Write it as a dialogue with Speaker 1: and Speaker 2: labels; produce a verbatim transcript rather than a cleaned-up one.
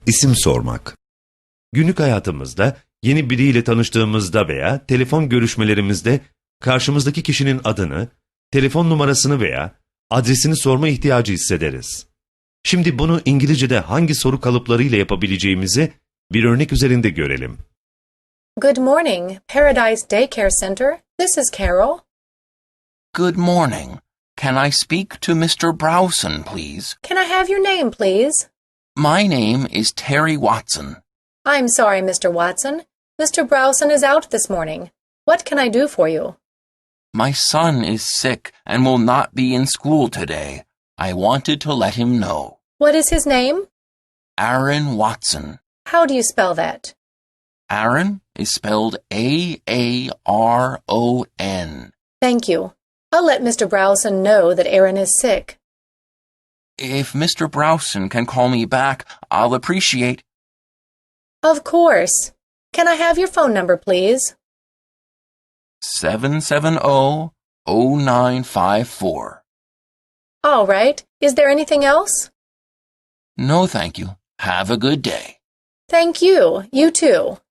Speaker 1: İsim sormak. Günlük hayatımızda yeni biriyle tanıştığımızda veya telefon görüşmelerimizde karşımızdaki kişinin adını, telefon numarasını veya adresini sorma ihtiyacı hissederiz. Şimdi bunu İngilizce'de hangi soru kalıplarıyla yapabileceğimizi bir örnek üzerinde görelim.
Speaker 2: Good morning, Paradise Daycare Center. This is Carol.
Speaker 3: Good morning. Can I speak to Mister Browson, please?
Speaker 2: Can I have your name, please?
Speaker 3: My name is Terry Watson.
Speaker 2: I'm sorry, Mister Watson. Mister Browson is out this morning. What can I do for you?
Speaker 3: My son is sick and will not be in school today. I wanted to let him know.
Speaker 2: What is his name?
Speaker 3: Aaron Watson.
Speaker 2: How do you spell that?
Speaker 3: Aaron is spelled A A R O N.
Speaker 2: Thank you. I'll let Mister Browson know that Aaron is sick.
Speaker 3: If Mister Browson can call me back, I'll appreciate.
Speaker 2: Of course. Can I have your phone number, please?
Speaker 3: seven seven zero, zero nine five four.
Speaker 2: All right. Is there anything else?
Speaker 3: No, thank you. Have a good day.
Speaker 2: Thank you. You too.